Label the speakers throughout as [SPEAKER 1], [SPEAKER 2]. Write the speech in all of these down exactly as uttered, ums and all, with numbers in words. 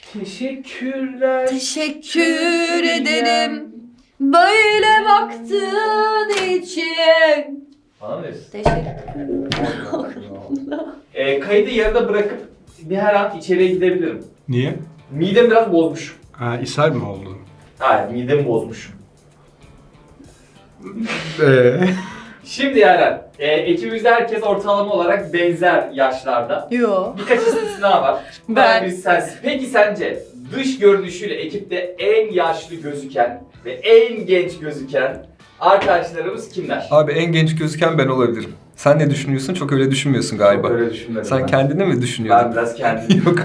[SPEAKER 1] Teşekkürler.
[SPEAKER 2] Teşekkür ederim böyle baktığın için.
[SPEAKER 1] Anlıyorsun.
[SPEAKER 2] Teşekkür.
[SPEAKER 1] e, kaydı yarıda bırakıp bir her an içeriye gidebilirim.
[SPEAKER 3] Niye?
[SPEAKER 1] Midem biraz bozmuş.
[SPEAKER 3] Ha, ishal mi oldu?
[SPEAKER 1] Hayır, midemi bozmuşum.
[SPEAKER 3] Eee?
[SPEAKER 1] Şimdi Yaren, e, ekibimizde herkes ortalama olarak benzer yaşlarda.
[SPEAKER 2] Yo.
[SPEAKER 1] Birkaç istisna var.
[SPEAKER 2] Ben.
[SPEAKER 1] Birisi sensin. Peki sence dış görünüşüyle ekipte en yaşlı gözüken ve en genç gözüken arkadaşlarımız kimler?
[SPEAKER 4] Abi en genç gözüken ben olabilirim. Sen ne düşünüyorsun? Çok öyle düşünmüyorsun galiba.
[SPEAKER 1] Çok öyle düşünmedim
[SPEAKER 4] Sen
[SPEAKER 1] ben.
[SPEAKER 4] kendini mi düşünüyordun?
[SPEAKER 1] Ben biraz kendim.
[SPEAKER 4] Yok.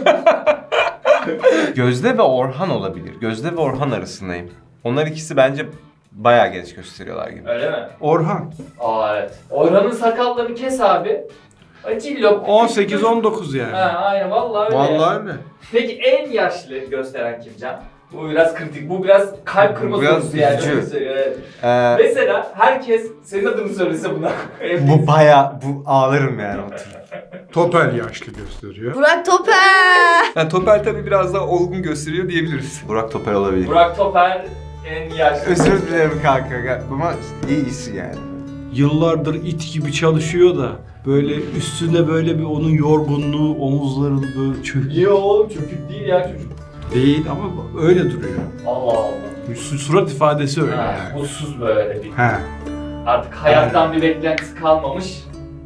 [SPEAKER 5] Gözde ve Orhan olabilir. Gözde ve Orhan arasındayım. Onlar ikisi bence bayağı genç gösteriyorlar gibi.
[SPEAKER 1] Öyle mi?
[SPEAKER 3] Orhan.
[SPEAKER 1] Aa evet. Orhan'ın sakallarını kes abi. Acillop.
[SPEAKER 3] on sekiz on dokuz yani.
[SPEAKER 1] Ha aynen vallahi öyle.
[SPEAKER 3] Vallahi öyle.
[SPEAKER 1] Peki en yaşlı gösteren kim Can? Bu biraz kritik. Bu biraz kalp
[SPEAKER 5] Bu
[SPEAKER 1] kırma
[SPEAKER 5] biraz
[SPEAKER 1] sorusu yani.
[SPEAKER 5] üzücü.
[SPEAKER 1] Öyle söylüyor, evet.
[SPEAKER 5] Ee,
[SPEAKER 1] Mesela herkes senin adını söylese buna.
[SPEAKER 5] bu bayağı, bu ağlarım yani oturup.
[SPEAKER 3] Topel yaşlı gösteriyor.
[SPEAKER 2] Burak Toper.
[SPEAKER 4] Yani Topel tabii biraz daha olgun gösteriyor diyebiliriz.
[SPEAKER 5] Burak Topel olabilir.
[SPEAKER 1] Burak Toper en yaşlı.
[SPEAKER 5] Özür dilerim kanka ama iyisi yani.
[SPEAKER 3] Yıllardır it gibi çalışıyor da böyle üstüne böyle bir onun yorgunluğu, omuzları böyle çök
[SPEAKER 1] İyi oğlum çökük değil ya çocuk.
[SPEAKER 3] değil ama öyle duruyor.
[SPEAKER 1] Allah Allah.
[SPEAKER 3] Su- Surat ifadesi öyle
[SPEAKER 1] Ha,
[SPEAKER 3] yani.
[SPEAKER 1] mutsuz böyle bir.
[SPEAKER 3] He.
[SPEAKER 1] Artık hayattan bir beklentisi kalmamış.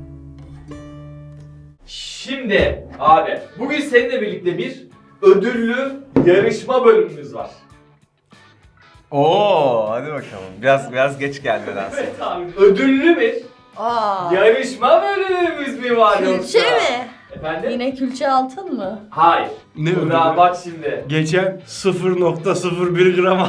[SPEAKER 1] Şimdi abi bugün seninle birlikte bir ödüllü yarışma bölümümüz var.
[SPEAKER 5] Oo, hadi bakalım. Biraz biraz geç geldi nedense.
[SPEAKER 1] Evet abi ödüllü bir
[SPEAKER 2] Aa.
[SPEAKER 1] yarışma bölümümüz mü var yoksa?
[SPEAKER 2] Külçe mi?
[SPEAKER 1] Efendim?
[SPEAKER 2] Yine külçe altın mı?
[SPEAKER 1] Hayır.
[SPEAKER 3] Ne
[SPEAKER 1] Burak
[SPEAKER 3] ödülü?
[SPEAKER 1] bak şimdi.
[SPEAKER 3] Geçen sıfır nokta sıfır bir gram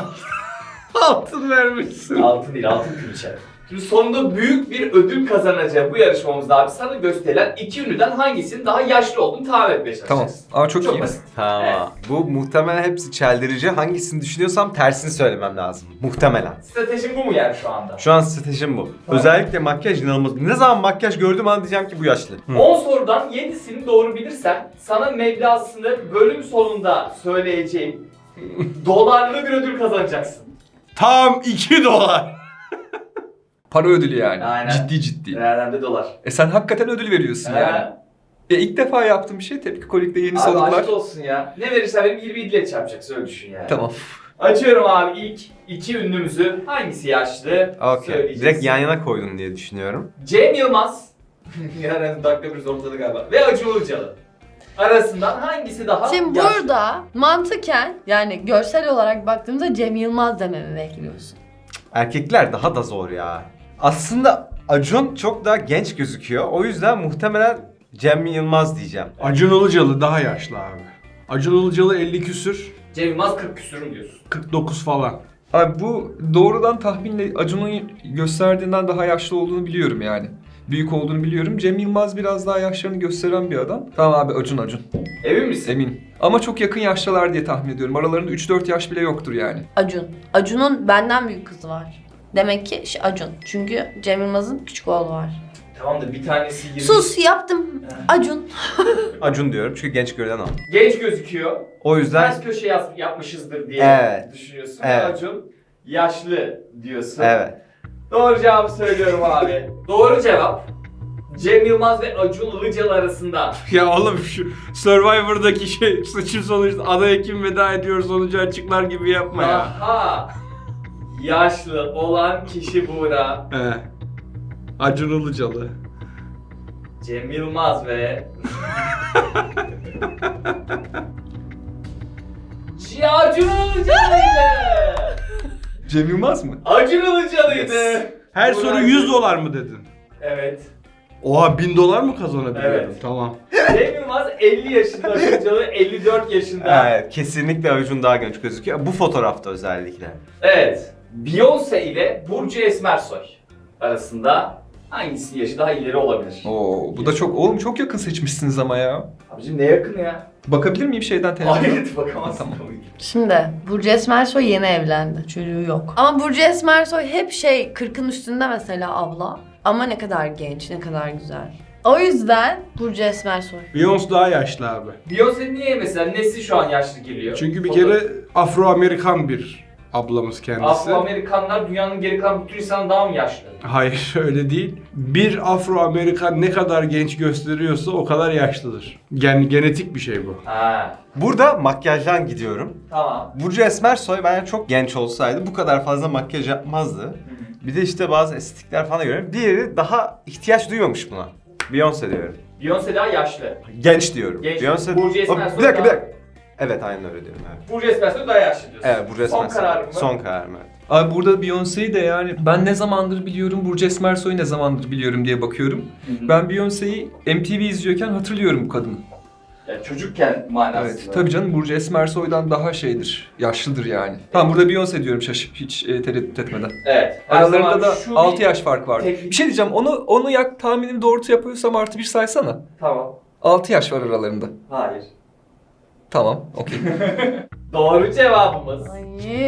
[SPEAKER 3] altın vermişsin.
[SPEAKER 1] Altın değil altın külçe. Şimdi sonunda büyük bir ödül kazanacağı bu yarışmamızda abi sana gösterilen iki ünlüden hangisinin daha yaşlı olduğunu tahmin etmeye çalışacağız.
[SPEAKER 4] Tamam. Aa çok,
[SPEAKER 1] Çok
[SPEAKER 4] iyi.
[SPEAKER 1] basit.
[SPEAKER 5] Tamam. Bu muhtemelen hepsi çeldirici. Hangisini düşünüyorsam tersini söylemem lazım. Muhtemelen.
[SPEAKER 1] Stratejim bu mu yani şu anda?
[SPEAKER 5] Şu an stratejim bu. Özellikle makyaj inanılmaz. Ne zaman makyaj gördüğüm an diyeceğim ki bu yaşlı.
[SPEAKER 1] on sorudan yedisini doğru bilirsen sana meblağını bölüm sonunda söyleyeceğim dolarlı bir ödül kazanacaksın.
[SPEAKER 3] Tam iki dolar.
[SPEAKER 4] Para ödülü yani.
[SPEAKER 1] Aynen.
[SPEAKER 4] Ciddi ciddi.
[SPEAKER 1] Nereden de dolar.
[SPEAKER 4] E sen hakikaten ödül veriyorsun yani.
[SPEAKER 1] Ha.
[SPEAKER 4] E ilk defa yaptığım bir şey Tepki Kolik'te yeni
[SPEAKER 1] Abi
[SPEAKER 4] salonlar.
[SPEAKER 1] aşk olsun ya. Ne verirsen benim yirmi ile çarpacaksın öyle düşün yani.
[SPEAKER 4] Tamam.
[SPEAKER 1] Açıyorum abi ilk iki ünlümüzü. Hangisi yaşlı?
[SPEAKER 5] Okey.
[SPEAKER 1] Söyleyeceksin.
[SPEAKER 5] Direkt yan yana koydun diye düşünüyorum.
[SPEAKER 1] Cem Yılmaz. Yani dakika bir ortada galiba. Ve Acun Ilıcalı. Arasından hangisi daha
[SPEAKER 2] Şimdi
[SPEAKER 1] yaşlı?
[SPEAKER 2] burada mantıken yani görsel olarak baktığımızda Cem Yılmaz dememi bekliyorsun.
[SPEAKER 5] Erkekler daha da zor ya. Aslında Acun çok daha genç gözüküyor. O yüzden muhtemelen Cem Yılmaz diyeceğim.
[SPEAKER 3] Acun Ilıcalı daha yaşlı abi. Acun Ilıcalı elli küsür,
[SPEAKER 1] Cem Yılmaz kırk küsürüm diyorsun.
[SPEAKER 3] kırk dokuz falan.
[SPEAKER 4] Abi bu doğrudan tahminle Acun'un gösterdiğinden daha yaşlı olduğunu biliyorum yani. Büyük olduğunu biliyorum. Cem Yılmaz biraz daha yaşlarını gösteren bir adam. Tamam abi Acun Acun.
[SPEAKER 1] Emin misin?
[SPEAKER 4] Eminim. Ama çok yakın yaşlılar diye tahmin ediyorum. Aralarında üç dört yaş bile yoktur yani.
[SPEAKER 2] Acun. Acun'un benden büyük kızı var. Demek ki şey, Acun. Çünkü Cem Yılmaz'ın küçük oğlu var.
[SPEAKER 1] Tamam da bir tanesi yirmi.
[SPEAKER 2] Sus yaptım. Acun.
[SPEAKER 5] Acun diyorum çünkü genç görünen o.
[SPEAKER 1] Genç gözüküyor.
[SPEAKER 5] O yüzden
[SPEAKER 1] Ters köşe yaz, yapmışızdır diye
[SPEAKER 5] Evet.
[SPEAKER 1] düşünüyorsun.
[SPEAKER 5] Evet.
[SPEAKER 1] Acun yaşlı diyorsun.
[SPEAKER 5] evet.
[SPEAKER 1] Doğru cevabı söylüyorum abi. Doğru cevap. Cem Yılmaz ve Acun Ilıcalı arasında.
[SPEAKER 3] Ya oğlum şu Survivor'daki şey seçim sonucu adaya kim veda ediyor sonucu açıklar gibi yapma ya.
[SPEAKER 1] Daha yaşlı olan kişi Buğra.
[SPEAKER 3] He. Acun Ilıcalı.
[SPEAKER 1] Cem Yılmaz ve... C- Acun Ilıcalı'ydı.
[SPEAKER 4] Cem Yılmaz mı?
[SPEAKER 1] Acun Ilıcalı'ydı.
[SPEAKER 4] Yes.
[SPEAKER 3] Her
[SPEAKER 1] Buğra-
[SPEAKER 3] soru yüz dolar mı dedin?
[SPEAKER 1] Evet.
[SPEAKER 3] Oha bin dolar mı kazanabiliyorum?
[SPEAKER 1] Evet.
[SPEAKER 3] Tamam.
[SPEAKER 1] Cem Yılmaz elli yaşında, Acun Ilıcalı elli dört yaşında.
[SPEAKER 5] Evet, kesinlikle Acun daha genç gözüküyor. Bu fotoğrafta özellikle.
[SPEAKER 1] Evet. Beyoncé ile Burcu Esmersoy arasında hangisinin yaşı daha ileri olabilir?
[SPEAKER 4] Oo, bu da çok oğlum çok yakın seçmişsiniz ama ya.
[SPEAKER 1] Abicim ne yakın ya?
[SPEAKER 4] Bakabilir miyim şeyden telefonda?
[SPEAKER 1] Hayır bakamazsın.
[SPEAKER 4] Tamam.
[SPEAKER 1] tabii ki.
[SPEAKER 2] Şimdi Burcu Esmersoy yeni evlendi. Çocuğu yok. Ama Burcu Esmersoy hep şey kırkın üstünde mesela abla. Ama ne kadar genç, ne kadar güzel. O yüzden Burcu Esmersoy.
[SPEAKER 3] Beyoncé daha yaşlı abi.
[SPEAKER 1] Beyoncé niye mesela nesi şu an yaşlı geliyor?
[SPEAKER 3] Çünkü bir
[SPEAKER 1] O da-
[SPEAKER 3] kere Afro-Amerikan bir ablamız kendisi.
[SPEAKER 1] Afro-Amerikanlar dünyanın geri kalan bütün insandan daha mı yaşlı?
[SPEAKER 3] Hayır öyle değil. Bir Afro-Amerikan ne kadar genç gösteriyorsa o kadar yaşlıdır. Yani genetik bir şey bu.
[SPEAKER 1] Ha,
[SPEAKER 5] Burada makyajdan gidiyorum.
[SPEAKER 1] tamam.
[SPEAKER 5] Burcu Esmersoy bence çok genç olsaydı bu kadar fazla makyaj yapmazdı. Bir de işte bazı estetikler falan görüyorum. Diğeri daha ihtiyaç duymamış buna. Beyoncé diyorum.
[SPEAKER 1] Beyoncé daha yaşlı.
[SPEAKER 5] Genç diyorum.
[SPEAKER 1] Genç.
[SPEAKER 5] Beyoncé...
[SPEAKER 1] Burcu
[SPEAKER 5] O,
[SPEAKER 1] Esmersoy
[SPEAKER 5] bir dakika bir
[SPEAKER 1] daha-
[SPEAKER 5] dakika. Evet aynen öyle diyorum evet.
[SPEAKER 1] Burcu Esmersoy daha yaşlı diyorsun.
[SPEAKER 5] Evet Burcu
[SPEAKER 1] Son
[SPEAKER 5] Esmersoy.
[SPEAKER 1] kararım mı?
[SPEAKER 5] Son kararım evet.
[SPEAKER 4] Abi burada Beyoncé'yi de yani ben ne zamandır biliyorum, Burcu Esmersoy'u ne zamandır biliyorum diye bakıyorum.
[SPEAKER 1] Hı hı.
[SPEAKER 4] Ben Beyoncé'yi M T V izliyorken hatırlıyorum bu kadını.
[SPEAKER 1] Yani çocukken manasında.
[SPEAKER 4] Evet, tabii canım Burcu Esmersoy'dan daha şeydir, yaşlıdır yani. Tamam burada Beyoncé diyorum şaşıp hiç e, tereddüt etmeden.
[SPEAKER 1] Evet. her
[SPEAKER 4] Aralarında
[SPEAKER 1] zaman
[SPEAKER 4] da
[SPEAKER 1] şu
[SPEAKER 4] altı
[SPEAKER 1] bir-
[SPEAKER 4] yaş fark var.
[SPEAKER 1] Tek-
[SPEAKER 4] Bir şey diyeceğim, onu onu yak tahminim doğru yapıyorsam artı bir saysana.
[SPEAKER 1] Tamam.
[SPEAKER 4] altı yaş var aralarında.
[SPEAKER 1] Hayır.
[SPEAKER 4] Tamam, okey.
[SPEAKER 1] Doğru cevabımız.
[SPEAKER 2] Ay.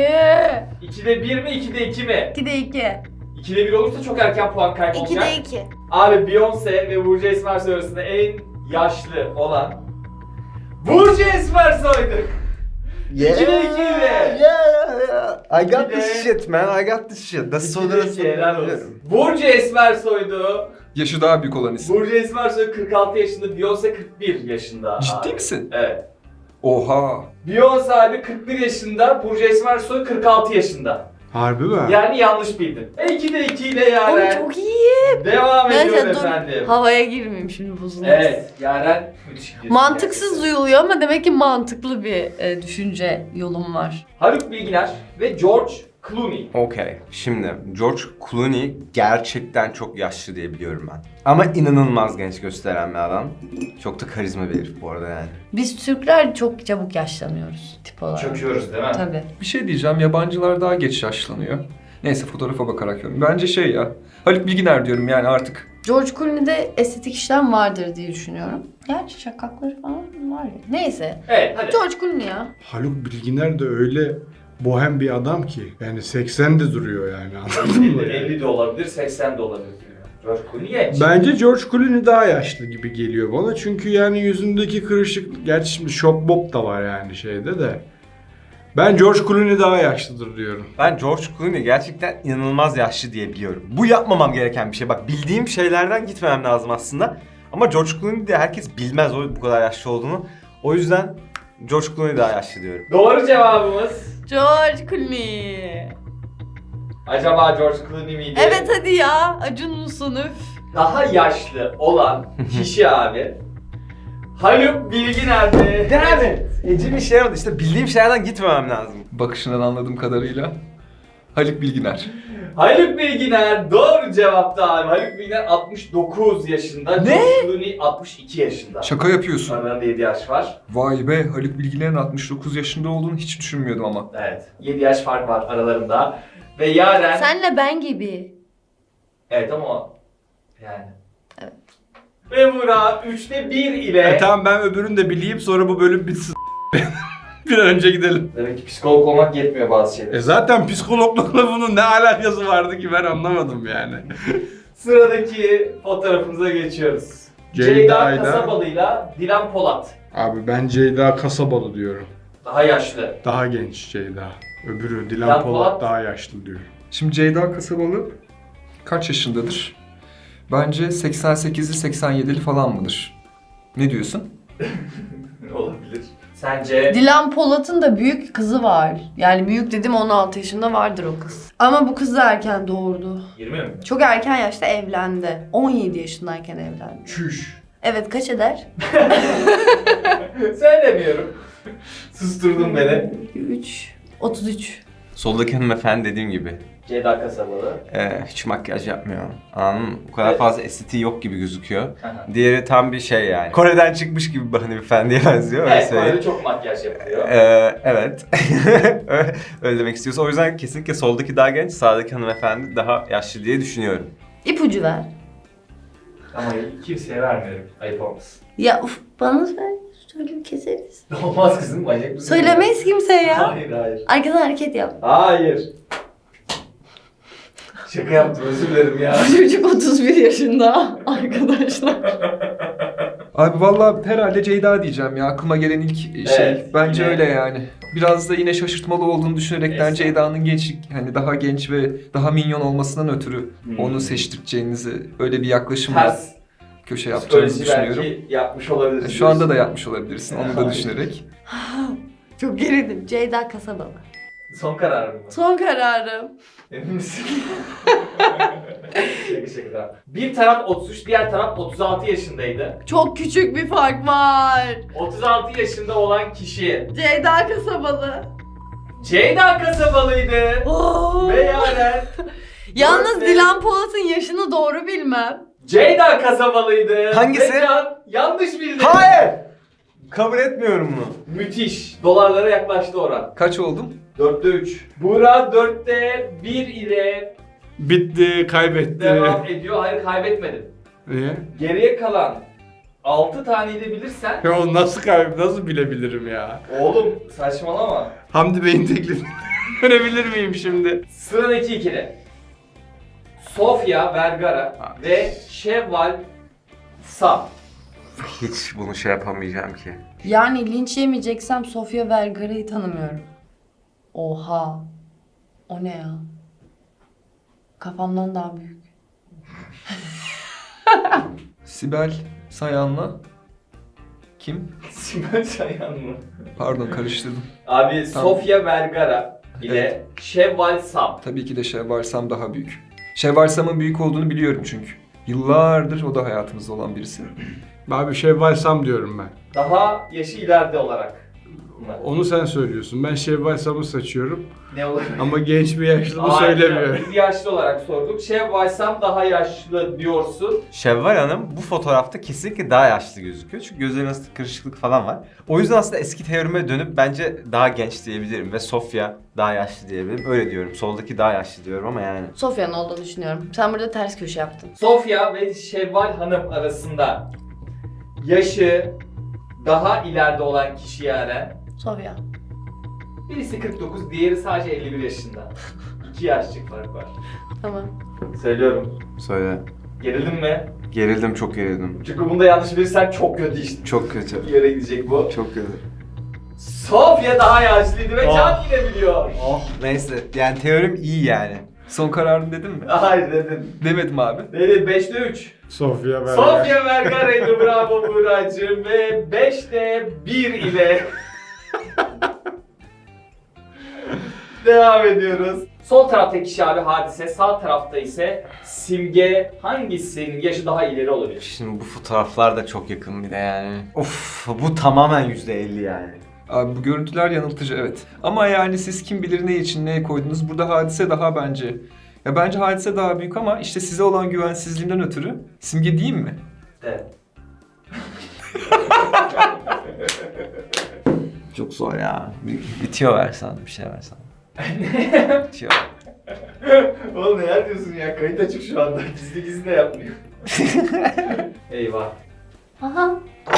[SPEAKER 1] ikide bir mi, ikide iki mi?
[SPEAKER 2] ikide iki.
[SPEAKER 1] ikide bir olursa çok erken puan kaybı olacak.
[SPEAKER 2] ikide iki.
[SPEAKER 1] Abi Beyoncé ve Burcu Esmersoy arasında en yaşlı olan Burcu Esmersoy'du. ikide iki ile.
[SPEAKER 5] Yeah, yeah. I got
[SPEAKER 1] İki de-
[SPEAKER 5] this shit man, I got this shit. That's so
[SPEAKER 1] İkide iki, helal olsun. Burcu Esmersoy'du.
[SPEAKER 4] Yaşı daha büyük olan isim.
[SPEAKER 1] Burcu Esmersoy kırk altı yaşında, Beyoncé kırk bir yaşında.
[SPEAKER 4] Ciddi
[SPEAKER 1] abi.
[SPEAKER 4] misin?
[SPEAKER 1] Evet.
[SPEAKER 4] Oha.
[SPEAKER 1] Beyoncé abi kırk bir yaşında, Burcu Esmersoy kırk altı yaşında.
[SPEAKER 3] Harbi mi?
[SPEAKER 1] Yani yanlış bildin. E ikide iki ile
[SPEAKER 2] Oğlum
[SPEAKER 1] Yaren.
[SPEAKER 2] çok iyi.
[SPEAKER 1] Devam ediyor
[SPEAKER 2] Neyse dur
[SPEAKER 1] efendim.
[SPEAKER 2] havaya girmeyeyim şimdi bozulmasın.
[SPEAKER 1] Evet, Yaren müthiş gidiyorsun
[SPEAKER 2] Mantıksız
[SPEAKER 1] gerçekten.
[SPEAKER 2] duyuluyor ama demek ki mantıklı bir e, düşünce yolum var.
[SPEAKER 1] Haluk Bilginer ve George Clooney.
[SPEAKER 5] Okey. Şimdi George Clooney gerçekten çok yaşlı diye biliyorum ben. Ama inanılmaz genç gösteren bir adam. Çok da karizma bir herif bu arada yani.
[SPEAKER 2] Biz Türkler çok çabuk yaşlanıyoruz tip olarak.
[SPEAKER 1] Çöküyoruz değil mi?
[SPEAKER 2] Tabii.
[SPEAKER 4] Bir şey diyeceğim, yabancılar daha geç yaşlanıyor. Neyse fotoğrafa bakarak yorum. Bence şey ya, Haluk Bilginer diyorum yani artık.
[SPEAKER 2] George Clooney'de estetik işlem vardır diye düşünüyorum. Gerçi şakakları falan var ya. Neyse.
[SPEAKER 1] Evet, hadi.
[SPEAKER 2] George Clooney ya.
[SPEAKER 3] Haluk Bilginer de öyle bohem bir adam ki. Yani seksende duruyor yani anladın mı?
[SPEAKER 1] elli de olabilir, seksen de olabilir. George Clooney genç.
[SPEAKER 3] Bence George Clooney daha yaşlı gibi geliyor bana. Çünkü yani yüzündeki kırışık, gerçi şimdi şop mop da var yani şeyde de. Ben George Clooney daha yaşlıdır diyorum.
[SPEAKER 5] Ben George Clooney gerçekten inanılmaz yaşlı diye biliyorum. Bu yapmamam gereken bir şey. Bak bildiğim şeylerden gitmemem lazım aslında. Ama George Clooney de herkes bilmez o bu kadar yaşlı olduğunu. O yüzden George Clooney daha yaşlı diyorum.
[SPEAKER 1] Doğru cevabımız.
[SPEAKER 2] George Clooney.
[SPEAKER 1] Acaba George Clooney miydi?
[SPEAKER 2] Evet hadi ya. Acun musun üf.
[SPEAKER 1] Daha yaşlı olan kişi abi. Haluk Bilginer'di.
[SPEAKER 5] Yani Ece bir şey yapmadı. İşte bildiğim şeylerden gitmemem lazım.
[SPEAKER 4] Bakışından anladığım kadarıyla. Haluk Bilginer.
[SPEAKER 1] Haluk Bilginer doğru cevaptı abi. Haluk Bilginer altmış dokuz yaşında.
[SPEAKER 4] Ne?
[SPEAKER 1] George Clooney altmış iki yaşında.
[SPEAKER 4] Şaka yapıyorsun.
[SPEAKER 1] Aralarında yedi yaş var.
[SPEAKER 4] Vay be, Haluk Bilginer'in altmış dokuz yaşında olduğunu hiç düşünmüyordum ama.
[SPEAKER 1] Evet. yedi yaş fark var aralarında. Ve Yaren...
[SPEAKER 2] Senle ben gibi.
[SPEAKER 1] Evet ama yani.
[SPEAKER 2] Evet.
[SPEAKER 1] Ve Murat üçte bir ile...
[SPEAKER 3] E tamam ben öbürünü de bileyim sonra bu bölüm bitsin. Bir an önce gidelim.
[SPEAKER 1] Demek ki psikolog olmak yetmiyor bazı şeyler.
[SPEAKER 3] E zaten psikologlukla bunun ne alakası vardı ki ben anlamadım yani.
[SPEAKER 1] Sıradaki fotoğrafımıza geçiyoruz.
[SPEAKER 3] Ceyda
[SPEAKER 1] Ceyda
[SPEAKER 3] Ayda.
[SPEAKER 1] Kasabalı'yla Dilan Polat.
[SPEAKER 3] Abi ben Ceyda Kasabalı diyorum.
[SPEAKER 1] Daha yaşlı.
[SPEAKER 3] Daha genç Ceyda. Öbürü Dilan
[SPEAKER 1] Dilan
[SPEAKER 3] Polat,
[SPEAKER 1] Polat.
[SPEAKER 3] daha yaşlı diyor.
[SPEAKER 4] Şimdi Ceyda Kasabalı kaç yaşındadır? Bence seksen sekizli seksen yedili falan mıdır? Ne diyorsun?
[SPEAKER 1] Olabilir. Sence?
[SPEAKER 2] Dilan Polat'ın da büyük kızı var. Yani büyük dedim on altı yaşında vardır o kız. Ama bu kız da erken doğurdu.
[SPEAKER 1] yirmi mi?
[SPEAKER 2] Çok erken yaşta evlendi. on yedi yaşındayken evlendi.
[SPEAKER 1] Çüş.
[SPEAKER 2] Evet kaç eder?
[SPEAKER 1] Söylemiyorum. Susturdun beni.
[SPEAKER 2] üç. otuz üç.
[SPEAKER 5] Soldaki hanımefendi dediğim gibi.
[SPEAKER 1] Ceyda Kasabalı.
[SPEAKER 5] Ee, hiç makyaj yapmıyor. Anladın mı? O kadar
[SPEAKER 1] Evet.
[SPEAKER 5] fazla estetiği yok gibi gözüküyor.
[SPEAKER 1] Aha.
[SPEAKER 5] Diğeri tam bir şey yani. Kore'den çıkmış gibi bir hanımefendiye benziyor. Öyle
[SPEAKER 1] Evet,
[SPEAKER 5] söyleyeyim.
[SPEAKER 1] Kore'de çok makyaj yapılıyor.
[SPEAKER 5] Ee, evet. Öyle demek istiyorsa. O yüzden kesinlikle soldaki daha genç, sağdaki hanımefendi daha yaşlı diye düşünüyorum.
[SPEAKER 2] İpucu ver.
[SPEAKER 1] Ama kimseye vermiyorum. Ayıp olmasın.
[SPEAKER 2] Ya uf bana söyle. Söyle keseriz.
[SPEAKER 1] Olmaz kızım, manyak mısın?
[SPEAKER 2] Söylemeyiz kimseye ya.
[SPEAKER 1] Hayır, hayır.
[SPEAKER 2] Arkadan hareket yap.
[SPEAKER 1] Hayır. Şaka yaptım, özür dilerim ya.
[SPEAKER 2] Bu çocuk otuz bir yaşında arkadaşlar.
[SPEAKER 4] Abi vallahi herhalde Ceyda diyeceğim ya. Aklıma gelen ilk şey.
[SPEAKER 1] Evet,
[SPEAKER 4] Bence
[SPEAKER 1] yine-
[SPEAKER 4] öyle yani. Biraz da yine şaşırtmalı olduğunu düşünerekten
[SPEAKER 1] Evet.
[SPEAKER 4] Ceyda'nın gençlik, hani daha genç ve daha minyon olmasından ötürü
[SPEAKER 1] Hmm.
[SPEAKER 4] onu seçtireceğinizi, öyle bir yaklaşımla
[SPEAKER 1] Ters
[SPEAKER 4] köşe yapacağınızı
[SPEAKER 1] psikoloji
[SPEAKER 4] düşünüyorum.
[SPEAKER 1] belki yapmış olabiliriz.
[SPEAKER 4] Şu anda da yapmış olabilirsin onu da
[SPEAKER 1] Hayır.
[SPEAKER 4] düşünerek.
[SPEAKER 2] Çok gerildim. Ceyda Kasabalı.
[SPEAKER 1] Son karar mı?
[SPEAKER 2] Son kararım.
[SPEAKER 1] Emin misin? şaka şaka. Bir taraf otuz üç, diğer taraf otuz altı yaşındaydı.
[SPEAKER 2] Çok küçük bir fark var.
[SPEAKER 1] otuz altı yaşında olan kişi
[SPEAKER 2] Ceyda Kasabalı.
[SPEAKER 1] Ceyda Kasabalıydı.
[SPEAKER 2] Oo.
[SPEAKER 1] Ve Yaren
[SPEAKER 2] Yalnız
[SPEAKER 1] Dört-
[SPEAKER 2] Dilan Polat'ın yaşını doğru bilmem.
[SPEAKER 1] Ceyda Kasabalıydı.
[SPEAKER 5] Hangisi?
[SPEAKER 1] Ve Can yanlış bildi.
[SPEAKER 5] Hayır! Kabul etmiyorum bunu.
[SPEAKER 1] Müthiş. Dolarlara yaklaştı oran.
[SPEAKER 4] Kaç oldum?
[SPEAKER 1] dörtte üç. Buğra dörtte bir ile
[SPEAKER 3] Bitti, kaybetti.
[SPEAKER 1] devam ediyor. Hayır, kaybetmedin.
[SPEAKER 3] Niye?
[SPEAKER 1] Geriye kalan altı taneyi de bilirsen...
[SPEAKER 3] Ya onu nasıl kayb nasıl bilebilirim ya?
[SPEAKER 1] Oğlum saçmalama.
[SPEAKER 3] Hamdi Bey'in teklifini görebilir miyim şimdi?
[SPEAKER 1] Sıradaki ikili. Sofia Vergara ve Şevval Sam.
[SPEAKER 5] Hiç bunu şey yapamayacağım ki.
[SPEAKER 2] Yani linç yemeyeceksem Sofia Vergara'yı tanımıyorum. Oha. O ne ya? Kafamdan daha büyük.
[SPEAKER 4] Sibel Sayan'la kim?
[SPEAKER 1] Sibel Sayan mı?
[SPEAKER 4] Pardon karıştırdım.
[SPEAKER 1] Abi
[SPEAKER 4] Tamam.
[SPEAKER 1] Sofia Vergara ile
[SPEAKER 4] Evet.
[SPEAKER 1] Şevval Sam.
[SPEAKER 4] Tabii ki de Şevval Sam daha büyük. Şevval Sam'ın büyük olduğunu biliyorum çünkü. Yıllardır o da hayatımızda olan birisi.
[SPEAKER 3] Abi Şevval Sam diyorum ben.
[SPEAKER 1] Daha yaşı ileride olarak. Bunlar.
[SPEAKER 3] Onu sen söylüyorsun. Ben Şevval Sam'ı seçiyorum.
[SPEAKER 1] Ne olur?
[SPEAKER 3] Ama genç bir yaşlı mı
[SPEAKER 1] Hayır,
[SPEAKER 3] söylemiyorum.
[SPEAKER 1] Biz yaşlı olarak sorduk. Şevval Sam daha yaşlı diyorsun.
[SPEAKER 5] Şevval Hanım bu fotoğrafta kesinlikle daha yaşlı gözüküyor. Çünkü gözlerinin arasında kırışıklık falan var. O yüzden aslında eski teorime dönüp bence daha genç diyebilirim. Ve Sofia daha yaşlı diyebilirim. Öyle diyorum. Soldaki daha yaşlı diyorum ama yani.
[SPEAKER 2] Sofia'nın olduğunu düşünüyorum. Sen burada ters köşe yaptın.
[SPEAKER 1] Sofia ve Şevval Hanım arasında yaşı daha ileride olan kişi yani.
[SPEAKER 2] Sofia.
[SPEAKER 1] Birisi kırk dokuz, diğeri sadece elli bir yaşında. İki yaşlık fark var.
[SPEAKER 2] Tamam.
[SPEAKER 1] Söylüyorum.
[SPEAKER 5] Söyle.
[SPEAKER 1] Gerildin mi?
[SPEAKER 5] Gerildim, çok gerildim.
[SPEAKER 1] Çünkü bunda yanlış bilirsen çok kötü işte.
[SPEAKER 5] Çok kötü.
[SPEAKER 1] Bir yere gidecek bu.
[SPEAKER 5] Çok kötü.
[SPEAKER 1] Sofia daha yaşlıydı ve
[SPEAKER 5] Oh.
[SPEAKER 1] Can yine biliyor.
[SPEAKER 5] Oh neyse. Yani teorim iyi yani.
[SPEAKER 4] Son kararını dedin mi?
[SPEAKER 1] Hayır dedin.
[SPEAKER 4] Demedim abi.
[SPEAKER 1] Dedi beşte üç.
[SPEAKER 3] Sofia Vergara.
[SPEAKER 1] Sofia Vergara'ydı, bravo Buğra'cığım ve beşte bir ile devam ediyoruz. Sol taraftaki kişi abi Hadise, sağ tarafta ise Simge. Hangisinin yaşı daha ileri olabilir?
[SPEAKER 5] Şimdi bu fotoğraflar da çok yakın bir de yani. Of bu tamamen yüzde elli yani.
[SPEAKER 4] Abi bu görüntüler yanıltıcı evet. Ama yani siz kim bilir ne için neye koydunuz. Burada Hadise daha bence. Ya bence Hadise daha büyük ama işte size olan güvensizliğinden ötürü Simge diyeyim mi?
[SPEAKER 1] Evet.
[SPEAKER 5] Çok zor ya. Bir, bitiyor versen, bir şey versen. Bitiyor.
[SPEAKER 1] Oğlum neler diyorsun ya? Kayıt açık şu anda. Gizli gizli de yapmıyor. Eyvah.
[SPEAKER 2] Aha.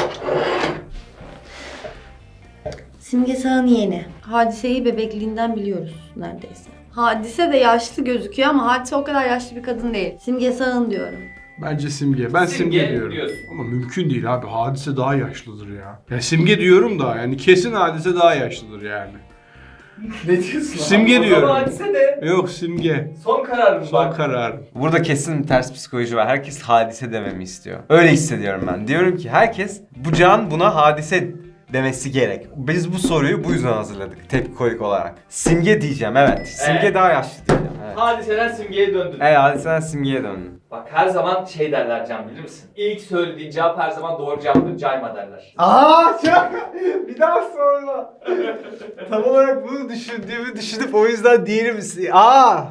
[SPEAKER 2] Simge Sağ'ın yeğeni. Hadise'yi bebekliğinden biliyoruz neredeyse. Hadise de yaşlı gözüküyor ama Hadise o kadar yaşlı bir kadın değil. Simge Sağ'ın diyorum.
[SPEAKER 3] Bence Simge. Ben Simge,
[SPEAKER 1] Simge
[SPEAKER 3] diyorum.
[SPEAKER 1] diyorsun.
[SPEAKER 3] Ama mümkün değil abi. Hadise daha yaşlıdır ya. Ya Simge diyorum da yani kesin Hadise daha yaşlıdır yani.
[SPEAKER 1] Ne diyorsun?
[SPEAKER 3] Simge
[SPEAKER 1] abi? O
[SPEAKER 3] diyorum.
[SPEAKER 1] zaman Hadise de
[SPEAKER 3] Yok Simge.
[SPEAKER 1] son kararım
[SPEAKER 3] Son
[SPEAKER 1] bak.
[SPEAKER 3] kararım.
[SPEAKER 5] Burada kesin ters psikoloji var. Herkes hadise dememi istiyor. Öyle hissediyorum ben. Diyorum ki herkes bu can buna hadise demesi gerek. Biz bu soruyu bu yüzden hazırladık tepkolik olarak. Simge diyeceğim evet. Simge
[SPEAKER 1] Evet.
[SPEAKER 5] daha yaşlı diyeceğim. Evet.
[SPEAKER 1] Hadiseden Simge'ye döndün.
[SPEAKER 5] Evet hadiseden simgeye döndüm.
[SPEAKER 1] Bak her zaman şey derler Can, bilir misin? İlk söylediğin cevap her zaman doğru cevaptır, cayma derler.
[SPEAKER 5] Aa çok bir daha sorma. Tam olarak bunu düşündüğümü düşünüp o yüzden diğeri misin? Aa.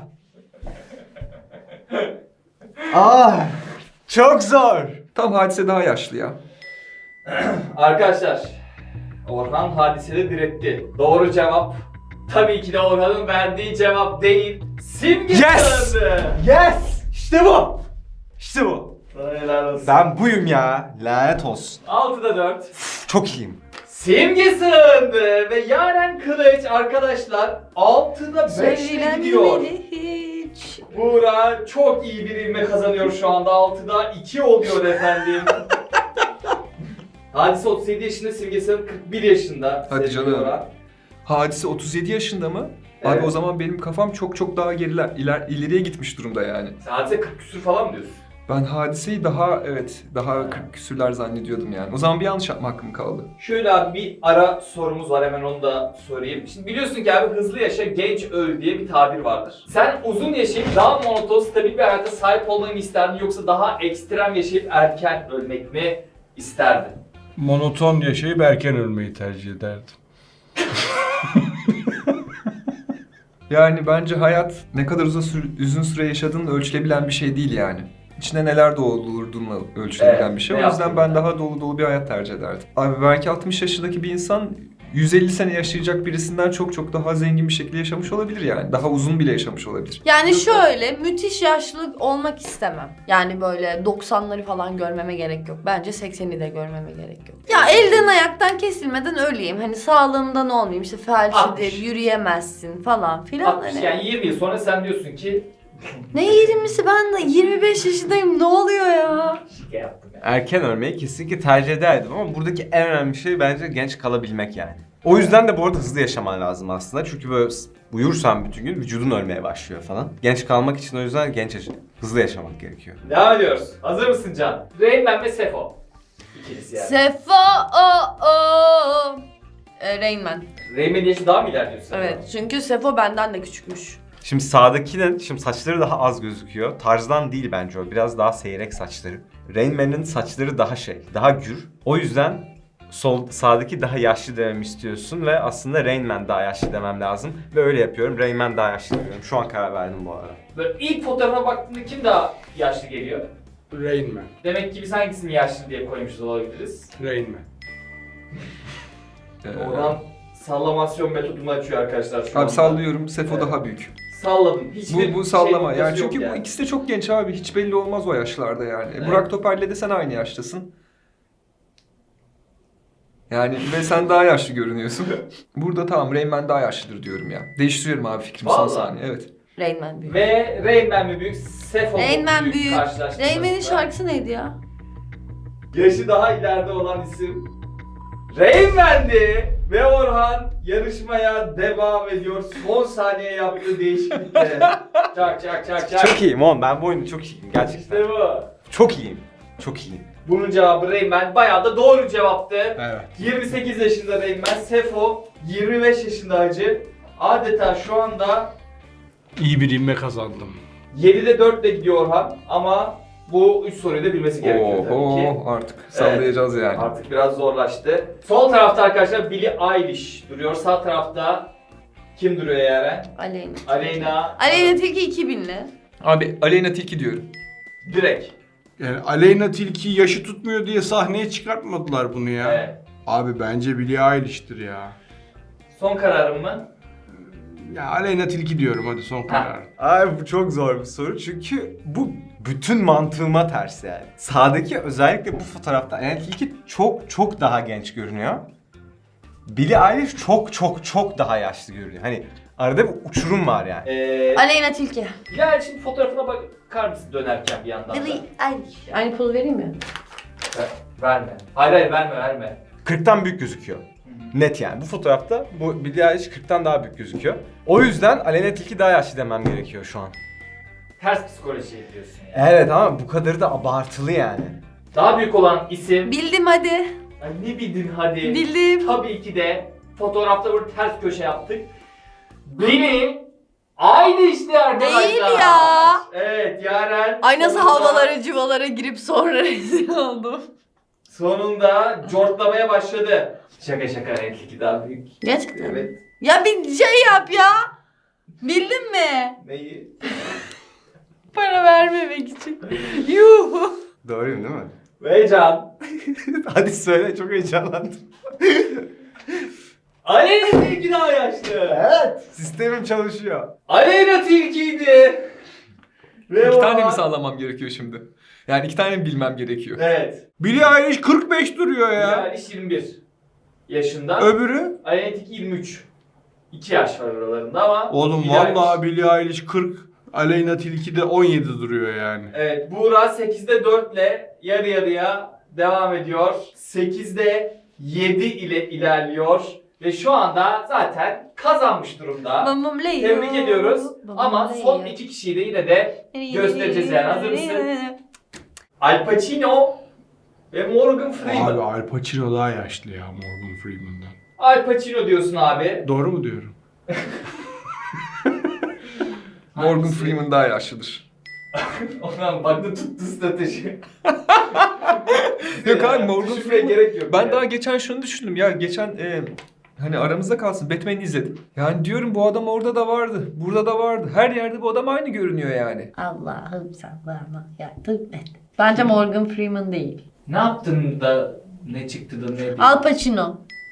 [SPEAKER 5] Aa. Çok zor.
[SPEAKER 4] Tam Hadise daha yaşlı ya.
[SPEAKER 1] Arkadaşlar, Orhan Hadise'de diretti. Doğru cevap tabii ki de Orhan'ın verdiği cevap değil, Simge
[SPEAKER 5] Yes!
[SPEAKER 1] sağladı.
[SPEAKER 5] Yes! İşte bu. İşte bu.
[SPEAKER 1] Sana helal olsun.
[SPEAKER 5] Ben buyum ya. Lanet olsun.
[SPEAKER 1] altıda dört.
[SPEAKER 5] Çok iyiyim.
[SPEAKER 1] Simge sığındı ve Yaren Eren Kılıç arkadaşlar altıda beşle gidiyor.
[SPEAKER 2] hiç.
[SPEAKER 1] Buğra çok iyi bir ivme kazanıyor şu anda. altıda iki oluyor efendim. Hadise otuz yedi yaşında, Simge Hanım kırk bir yaşında.
[SPEAKER 4] Hadi
[SPEAKER 1] sevgili
[SPEAKER 4] canım.
[SPEAKER 1] Buğra.
[SPEAKER 4] Hadise otuz yedi yaşında mı?
[SPEAKER 1] Evet.
[SPEAKER 4] Abi o zaman benim kafam çok çok daha geriler, iler, ileriye gitmiş durumda yani.
[SPEAKER 1] Sen Hadise kırk küsür falan mı diyorsun?
[SPEAKER 4] Ben Hadise'yi daha evet daha kırk küsürler zannediyordum yani. O zaman bir yanlış yapma hakkım kaldı.
[SPEAKER 1] Şöyle abi bir ara sorumuz var, hemen onu da sorayım. Şimdi biliyorsun ki abi hızlı yaşa genç öl diye bir tabir vardır. Sen uzun yaşayıp daha monoton stabil bir hayata sahip olmayı mı isterdin yoksa daha ekstrem yaşayıp erken ölmek mi isterdin?
[SPEAKER 3] Monoton yaşayıp erken ölmeyi tercih ederdim.
[SPEAKER 4] Yani bence hayat ne kadar uzun süre, uzun süre yaşadığınla ölçülebilen bir şey değil yani. İçine neler doldurduğunla ölçülebilen
[SPEAKER 1] Evet,
[SPEAKER 4] bir şey.
[SPEAKER 1] ne
[SPEAKER 4] O yüzden
[SPEAKER 1] yaptın
[SPEAKER 4] ben
[SPEAKER 1] yani?
[SPEAKER 4] daha dolu dolu bir hayat tercih ederdim. Abi belki altmış yaşındaki bir insan yüz elli sene yaşayacak birisinden çok çok daha zengin bir şekilde yaşamış olabilir yani. Daha uzun bile yaşamış olabilir.
[SPEAKER 2] Yani şöyle müthiş yaşlı olmak istemem. Yani böyle doksanları falan görmeme gerek yok. Bence sekseni de görmeme gerek yok. Ya elden ayaktan kesilmeden öleyim. Hani sağlığımdan olmayayım. İşte felçlidir,
[SPEAKER 1] altmış.
[SPEAKER 2] yürüyemezsin falan filan.
[SPEAKER 1] altmış
[SPEAKER 2] Hani.
[SPEAKER 1] yani yirmi yıl sonra sen diyorsun ki
[SPEAKER 2] Ne yirmisi, ben de yirmi beş yaşındayım, ne oluyor ya?
[SPEAKER 1] şike yaptım ya.
[SPEAKER 5] Erken ölmeyi kesinlikle tercih ederdim ama buradaki en önemli şey bence genç kalabilmek yani. O yüzden de bu arada hızlı yaşaman lazım aslında. Çünkü böyle uyursan bütün gün vücudun ölmeye başlıyor falan. Genç kalmak için o yüzden genç yaşa- hızlı yaşamak gerekiyor.
[SPEAKER 1] Devam ediyoruz. Hazır mısın Can? Rayman ve Sefo. İkilisi yani.
[SPEAKER 2] Sefo o o. E, Rain Man.
[SPEAKER 1] Rayman'in yaşı daha mı ilerliyor Sefo?
[SPEAKER 2] Evet, çünkü Sefo benden de küçükmüş.
[SPEAKER 5] Şimdi sağdakinin şimdi saçları daha az gözüküyor. Tarzdan değil bence o. Biraz daha seyrek saçları. Rain Man'in saçları daha şey, daha gür. O yüzden sol sağdaki daha yaşlı dememi istiyorsun ve aslında Rain Man daha yaşlı demem lazım. Ve öyle yapıyorum. Rain Man daha yaşlı diyorum. Şu an karar verdim bu arada.
[SPEAKER 1] Böyle ilk fotoğrafa baktığında kim daha yaşlı geliyor?
[SPEAKER 3] Rain Man.
[SPEAKER 1] Demek ki biz hangisini yaşlı diye koymuşuz olabiliriz.
[SPEAKER 3] Rain Man.
[SPEAKER 4] Ee,
[SPEAKER 1] Oradan sallamasyon metodunu açıyor arkadaşlar şu
[SPEAKER 4] abi
[SPEAKER 1] anda.
[SPEAKER 4] sallıyorum. Sefo
[SPEAKER 1] Evet.
[SPEAKER 4] daha büyük.
[SPEAKER 1] Salladım. Hiçbir
[SPEAKER 4] Bu, bu sallama
[SPEAKER 1] şey
[SPEAKER 4] yani
[SPEAKER 1] noktası yok
[SPEAKER 4] çünkü bu ikisi de çok genç abi. Hiç belli olmaz o yaşlarda yani.
[SPEAKER 1] Evet.
[SPEAKER 4] Burak Topal'le de sen aynı yaştasın. Yani ve sen daha yaşlı görünüyorsun. Burada tamam Rayman daha yaşlıdır diyorum ya. Değiştiriyorum abi fikrimi son
[SPEAKER 1] Vallahi.
[SPEAKER 4] saniye. Evet.
[SPEAKER 2] Rain Man büyük.
[SPEAKER 1] Ve Rayman mi büyük, Sefo mu
[SPEAKER 2] Rain Man
[SPEAKER 1] büyük,
[SPEAKER 2] büyük.
[SPEAKER 1] karşılaştığımızda?
[SPEAKER 2] Rain Man'in şarkısı neydi ya?
[SPEAKER 1] Yaşı daha ileride olan isim Rayman'di ve Orhan yarışmaya devam ediyor. Son saniye yaptığı değişiklikle. Çak çak çak çak.
[SPEAKER 5] Çok iyiyim oğlum. Ben bu oyunda çok iyiyim. Gerçekten.
[SPEAKER 1] İşte bu.
[SPEAKER 5] Çok iyiyim. Çok iyiyim.
[SPEAKER 1] Bunun cevabı Rayman. Bayağı da doğru cevaptı.
[SPEAKER 3] Evet.
[SPEAKER 1] yirmi sekiz yaşında Rayman. Sefo yirmi beş yaşında hacı. Adeta şu anda
[SPEAKER 3] İyi bir ivme kazandım.
[SPEAKER 1] yedide dört ile gidiyor Orhan ama bu üç soruyu da bilmesi gerekiyor tabii ki.
[SPEAKER 4] Oho artık sallayacağız yani.
[SPEAKER 1] Artık biraz zorlaştı. Sol tarafta arkadaşlar Billie Eilish duruyor. Sağ tarafta kim duruyor Yaren?
[SPEAKER 2] Aleyna.
[SPEAKER 1] Aleyna.
[SPEAKER 2] Aleyna Tilki iki binli.
[SPEAKER 4] Abi Aleyna Tilki diyorum.
[SPEAKER 1] Direkt.
[SPEAKER 3] Yani Aleyna Tilki yaşı tutmuyor diye sahneye çıkartmadılar bunu ya.
[SPEAKER 1] Evet.
[SPEAKER 3] Abi bence Billie Eilish'tir ya.
[SPEAKER 1] Son kararım mı?
[SPEAKER 3] Ya Aleyna Tilki diyorum hadi son karar.
[SPEAKER 5] Abi bu çok zor bir soru çünkü bu bütün mantığıma ters yani. Sağdaki özellikle bu fotoğrafta yani ilki çok çok daha genç görünüyor. Billie Eilish çok çok çok daha yaşlı görünüyor. Hani arada bir uçurum var yani.
[SPEAKER 1] Ee,
[SPEAKER 2] Aleyna Tilki.
[SPEAKER 1] Bilal şimdi fotoğrafına bakar mısın dönerken bir yandan da?
[SPEAKER 2] Billie Eilish. Aynı poz vereyim mi?
[SPEAKER 1] Ver- Verme. Hayır hayır verme verme.
[SPEAKER 5] kırktan büyük gözüküyor. Net yani. Bu fotoğrafta bu Billie Eilish kırktan daha büyük gözüküyor. O yüzden Aleyna Tilki daha yaşlı demem gerekiyor şu an.
[SPEAKER 1] Ters psikoloji diyorsun yani.
[SPEAKER 5] Evet ama bu kadarı da abartılı yani.
[SPEAKER 1] Daha büyük olan isim.
[SPEAKER 2] Bildim hadi.
[SPEAKER 1] Ay ne bildin hadi.
[SPEAKER 2] Bildim.
[SPEAKER 1] Tabii ki de fotoğrafta böyle ters köşe yaptık. Beni aynı işte arkadaşlar.
[SPEAKER 2] Değil ya.
[SPEAKER 1] Evet Yaren.
[SPEAKER 2] Ay nasıl
[SPEAKER 1] sonunda-
[SPEAKER 2] havalara civalara girip sonra rezil oldum.
[SPEAKER 1] Sonunda cortlamaya başladı. Şaka şaka renkli daha büyük.
[SPEAKER 2] Gerçekten mi?
[SPEAKER 1] Evet.
[SPEAKER 2] Ya bir şey yap ya. Bildin mi?
[SPEAKER 1] Neyi?
[SPEAKER 2] Para vermemek için. Yuh.
[SPEAKER 5] Doğruyum değil mi?
[SPEAKER 1] Ve Can.
[SPEAKER 5] Hadi söyle, çok heyecanlandım.
[SPEAKER 1] Aleyna Tilki daha yaşlı.
[SPEAKER 5] Evet. Sistemim çalışıyor.
[SPEAKER 1] Aleyna Tilki'ydi. Ve
[SPEAKER 4] İki tane
[SPEAKER 1] o-
[SPEAKER 4] mi sallamam gerekiyor şimdi? Yani iki tane mi bilmem gerekiyor?
[SPEAKER 1] Evet.
[SPEAKER 3] Billie Eilish kırk beş duruyor ya.
[SPEAKER 1] Yani yirmi bir yaşında.
[SPEAKER 3] Öbürü?
[SPEAKER 1] Aleyna Tilki yirmi üç. iki yaş var aralarında ama...
[SPEAKER 3] Oğlum
[SPEAKER 1] Billie Eilish-
[SPEAKER 3] vallahi Billie Eilish kırk, Aleyna Tilki de on yedi duruyor yani.
[SPEAKER 1] Evet, Buğra sekizde dört ile yarı yarıya devam ediyor. sekizde yedi ile ilerliyor. Ve şu anda zaten kazanmış durumda.
[SPEAKER 2] Babam Leo.
[SPEAKER 1] Tebrik ediyoruz.
[SPEAKER 2] Babam
[SPEAKER 1] Ama
[SPEAKER 2] Leo.
[SPEAKER 1] son iki kişiyi de yine de göstereceğiz yani. Hazır mısın? Al Pacino ve Morgan Freeman.
[SPEAKER 3] Abi Al Pacino daha yaşlı ya Morgan Freeman'dan.
[SPEAKER 1] Al Pacino diyorsun abi.
[SPEAKER 3] Doğru mu diyorum?
[SPEAKER 4] Morgan
[SPEAKER 1] Hangisi?
[SPEAKER 4] Freeman daha yaşlıdır.
[SPEAKER 1] Ondan baktı tuttu strateji.
[SPEAKER 4] Yok abi, Morgan
[SPEAKER 1] Düşünmeye
[SPEAKER 4] Freeman-
[SPEAKER 1] gerek yok.
[SPEAKER 4] Ben
[SPEAKER 1] yani.
[SPEAKER 4] daha geçen şunu düşündüm ya, geçen e, hani aramızda kalsın, Batman'i izledim. Yani diyorum bu adam orada da vardı, burada da vardı. Her yerde bu adam aynı görünüyor yani.
[SPEAKER 2] Allah'ım sallama yardım et. Bence Morgan Freeman değil.
[SPEAKER 1] Ne yaptın da ne çıktı da ne değil?
[SPEAKER 2] Al Pacino.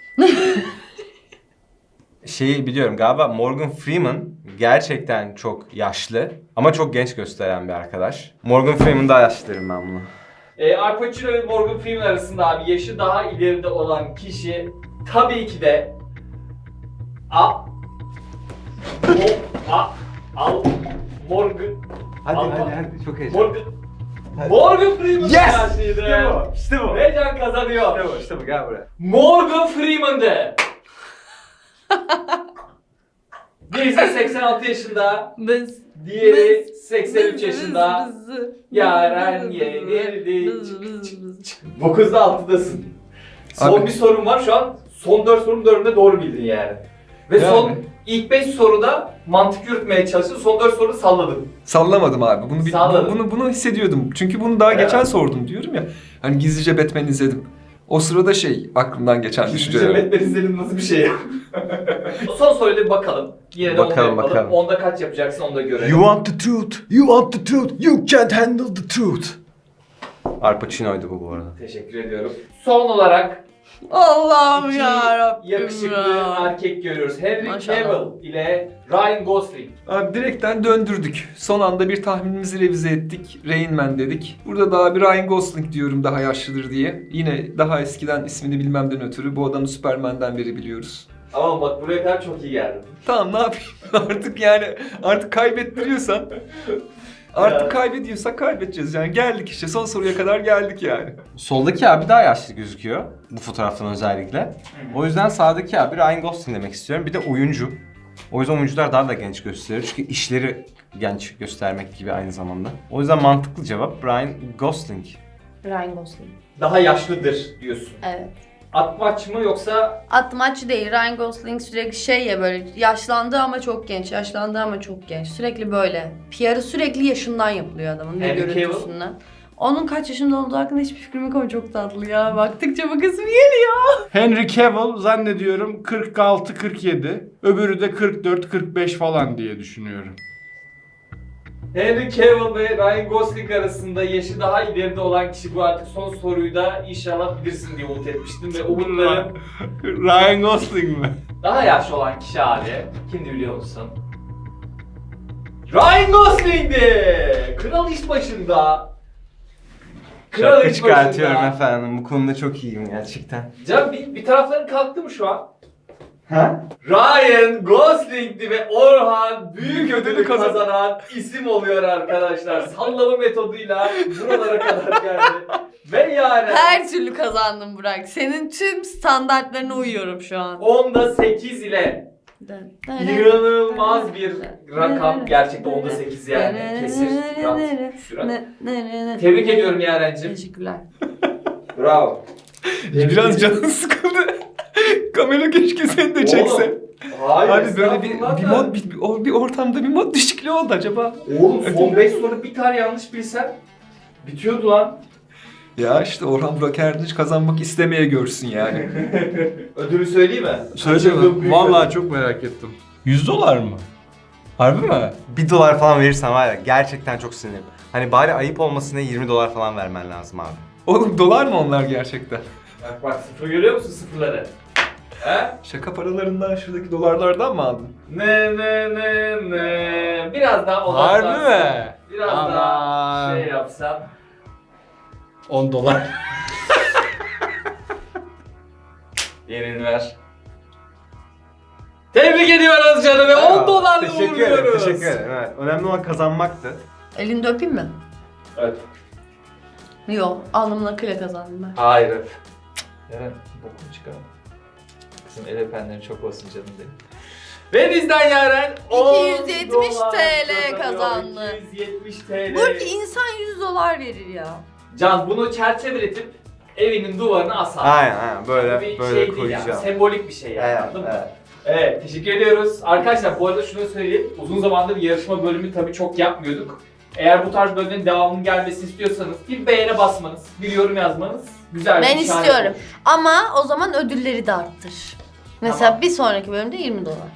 [SPEAKER 5] Şeyi biliyorum galiba Morgan Freeman gerçekten çok yaşlı ama çok genç gösteren bir arkadaş. Morgan Freeman daha yaşlı derim ben bunu.
[SPEAKER 1] E, Al Pacino ve Morgan Freeman arasında abi yaşı daha ileride olan kişi tabii ki de A O A Al Morgan
[SPEAKER 5] Hadi
[SPEAKER 1] Ama-
[SPEAKER 5] hadi hadi çok heyecanlı.
[SPEAKER 1] Morgan Morgan Freeman
[SPEAKER 5] Yes!
[SPEAKER 1] yaşlıydı.
[SPEAKER 5] İşte bu, işte bu.
[SPEAKER 1] Ve Can kazanıyor.
[SPEAKER 5] İşte bu, işte bu, gel buraya.
[SPEAKER 1] Morgan Freeman'dı. Birisi seksen altı yaşında,
[SPEAKER 2] Biz.
[SPEAKER 1] diğeri seksen üç yaşında. Yaren yenildi. dokuzda altıdasın. Son
[SPEAKER 4] Abi-
[SPEAKER 1] bir sorun var şu an. Son dört sorunun dördünde doğru bildin yani. Ve
[SPEAKER 4] Yani.
[SPEAKER 1] son ilk beş soruda mantık yürütmeye çalıştın. Son dört soruda salladın.
[SPEAKER 4] Sallamadım abi. Bunu bir-
[SPEAKER 1] Salladın.
[SPEAKER 4] bunu bunu hissediyordum. Çünkü bunu daha
[SPEAKER 1] Evet.
[SPEAKER 4] geçen sordum diyorum ya. Hani gizlice Batman izledim. O sırada şey aklımdan geçen
[SPEAKER 1] Gizlice
[SPEAKER 4] düşünceler.
[SPEAKER 1] Batman izledim nasıl bir şey ya? Son soruya bir bakalım. Yine de
[SPEAKER 5] Bakalım,
[SPEAKER 1] onda yapalım.
[SPEAKER 5] bakalım.
[SPEAKER 1] Onda kaç yapacaksın onu da görelim.
[SPEAKER 5] You want the truth, you want the truth, you can't handle the truth. Al Pacino'ydu bu bu arada.
[SPEAKER 1] Teşekkür ediyorum. Son olarak
[SPEAKER 2] Allah'ım
[SPEAKER 1] iki
[SPEAKER 2] yarabbim
[SPEAKER 1] yakışıklı
[SPEAKER 2] ya.
[SPEAKER 1] erkek görüyoruz. Henry
[SPEAKER 2] Maşallah.
[SPEAKER 1] Cavill ile Ryan Gosling.
[SPEAKER 4] Abi direkten döndürdük. Son anda bir tahminimizi revize ettik. Rain Man dedik. Burada daha bir Ryan Gosling diyorum daha yaşlıdır diye. Yine daha eskiden ismini bilmemden ötürü bu adamı Superman'den beri biliyoruz.
[SPEAKER 1] Ama bak buraya kadar çok iyi geldin.
[SPEAKER 4] Tamam ne yapayım artık yani artık kaybettiriyorsan artık
[SPEAKER 1] Ya.
[SPEAKER 4] kaybediyorsak kaybedeceğiz yani geldik işte son soruya kadar geldik yani.
[SPEAKER 5] Soldaki abi daha yaşlı gözüküyor. Bu fotoğraftan özellikle. O yüzden sağdaki abi Ryan Gosling demek istiyorum. Bir de oyuncu. O yüzden oyuncular daha da genç gösteriyor. Çünkü işleri genç göstermek gibi aynı zamanda. O yüzden mantıklı cevap Ryan Gosling.
[SPEAKER 2] Ryan Gosling.
[SPEAKER 1] Daha yaşlıdır diyorsun.
[SPEAKER 2] Evet.
[SPEAKER 1] Atmaç mı yoksa
[SPEAKER 2] Atmaç değil. Ryan Gosling sürekli şey ya böyle yaşlandı ama çok genç, yaşlandı ama çok genç. Sürekli böyle. P R'ı sürekli yaşından yapılıyor adamın ve
[SPEAKER 1] Henry Cavill?
[SPEAKER 2] görüntüsünden. Onun kaç yaşında olduğu hakkında hiçbir fikrim yok ama çok tatlı ya. Baktıkça bakasım geliyor.
[SPEAKER 3] Henry Cavill zannediyorum kırk altı kırk yedi. Öbürü de kırk dört kırk beş falan diye düşünüyorum.
[SPEAKER 1] Henry Cavill ve Ryan Gosling arasında yaşı daha ileride olan kişi bu artık son soruyu da inşallah bilirsin diye umut etmiştim ve umutlarım
[SPEAKER 3] Ryan Gosling mi?
[SPEAKER 1] daha yaşlı olan kişi abi. Kimdi biliyor musun? Ryan Gosling'di! Kral iş başında. Kral
[SPEAKER 5] Şapka
[SPEAKER 1] iş
[SPEAKER 5] çıkartıyorum
[SPEAKER 1] başında.
[SPEAKER 5] efendim. Bu konuda çok iyiyim gerçekten.
[SPEAKER 1] Can bir, bir tarafların kalktı mı şu an?
[SPEAKER 5] Ha?
[SPEAKER 1] Ryan Gosling'di ve Orhan büyük ödülü
[SPEAKER 4] Ödülü kazan-
[SPEAKER 1] kazanan isim oluyor arkadaşlar. Sallama metoduyla buralara kadar geldi. Ve yani
[SPEAKER 2] Her türlü kazandım Burak. Senin tüm standartlarına uyuyorum şu an.
[SPEAKER 1] onda sekiz ile inanılmaz bir rakam. Gerçekten onda sekiz yani. Kesir, sürat, sürat. Tebrik ediyorum Yaren'cim.
[SPEAKER 2] Teşekkürler.
[SPEAKER 1] Bravo.
[SPEAKER 4] Biraz canın sıkıldı. Kamera keşke seni de çekse.
[SPEAKER 1] Oğlum, hayır,
[SPEAKER 4] Abi böyle bir,
[SPEAKER 1] estağfurullah
[SPEAKER 4] bir
[SPEAKER 1] da.
[SPEAKER 4] mod bir, bir, bir ortamda bir mod düşüklüğü oldu acaba.
[SPEAKER 1] Oğlum son beş soru bir tane yanlış bilsen bitiyordu lan.
[SPEAKER 4] Ya işte Orhan Burak Erdinç kazanmak istemeye görsün yani.
[SPEAKER 1] Ödülü söyleyeyim mi?
[SPEAKER 3] Söyle
[SPEAKER 1] Kaçırdığım büyük
[SPEAKER 3] Vallahi
[SPEAKER 1] ödül.
[SPEAKER 3] çok merak ettim. yüz dolar mı? Harbi mi?
[SPEAKER 5] Bir dolar falan verirsen var ya gerçekten çok sinirlim. Hani bari ayıp olmasına yirmi dolar falan vermen lazım abi.
[SPEAKER 4] Oğlum dolar mı onlar gerçekten?
[SPEAKER 1] Bak bak sıfır görüyor musun sıfırları? He?
[SPEAKER 4] Şaka paralarından şuradaki dolarlardan mı aldın?
[SPEAKER 1] Ne ne ne ne. Biraz daha
[SPEAKER 3] Harbi
[SPEAKER 1] odaklansan.
[SPEAKER 3] mi?
[SPEAKER 1] Biraz daha
[SPEAKER 3] Aman.
[SPEAKER 1] şey yapsam.
[SPEAKER 3] on dolar.
[SPEAKER 1] Yerini ver. Tebrik Tebrik ediyoruz canım ve on
[SPEAKER 5] Eyvallah.
[SPEAKER 1] dolarla
[SPEAKER 5] Teşekkür ederim,
[SPEAKER 1] uğurluyoruz.
[SPEAKER 5] teşekkür ederim. Evet. Önemli olan kazanmaktı.
[SPEAKER 2] Elinde öpeyim mi?
[SPEAKER 1] Evet.
[SPEAKER 2] Yok. Alnımla kıle kazandım ben.
[SPEAKER 1] Hayır. Eren bokunu çıkarma. Bizim el öpenlerin çok olsun canım benim. Ve bizden Yaren on
[SPEAKER 2] iki yüz yetmiş
[SPEAKER 1] dolar
[SPEAKER 2] TL kazandı.
[SPEAKER 1] iki yüz yetmiş TL.
[SPEAKER 2] Burki insan yüz dolar verir ya.
[SPEAKER 1] Can bunu çerçeveletip evinin duvarına asar.
[SPEAKER 5] Aynen aynen böyle
[SPEAKER 1] bir
[SPEAKER 5] böyle
[SPEAKER 1] şey değil
[SPEAKER 5] koyacağım.
[SPEAKER 1] yani. Sembolik bir şey yani.
[SPEAKER 5] Evet,
[SPEAKER 1] Anladın mı?
[SPEAKER 5] evet.
[SPEAKER 1] Evet, teşekkür ediyoruz. Arkadaşlar bu arada şunu söyleyeyim. Uzun zamandır yarışma bölümü tabii çok yapmıyorduk. Eğer bu tarz bölümlerin devamının gelmesini istiyorsanız bir beğene basmanız, bir yorum yazmanız güzel bir
[SPEAKER 2] Ben
[SPEAKER 1] işaret
[SPEAKER 2] istiyorum.
[SPEAKER 1] olur.
[SPEAKER 2] Ama o zaman ödülleri de arttır. Mesela
[SPEAKER 1] Tamam.
[SPEAKER 2] bir sonraki bölümde yirmi dolar.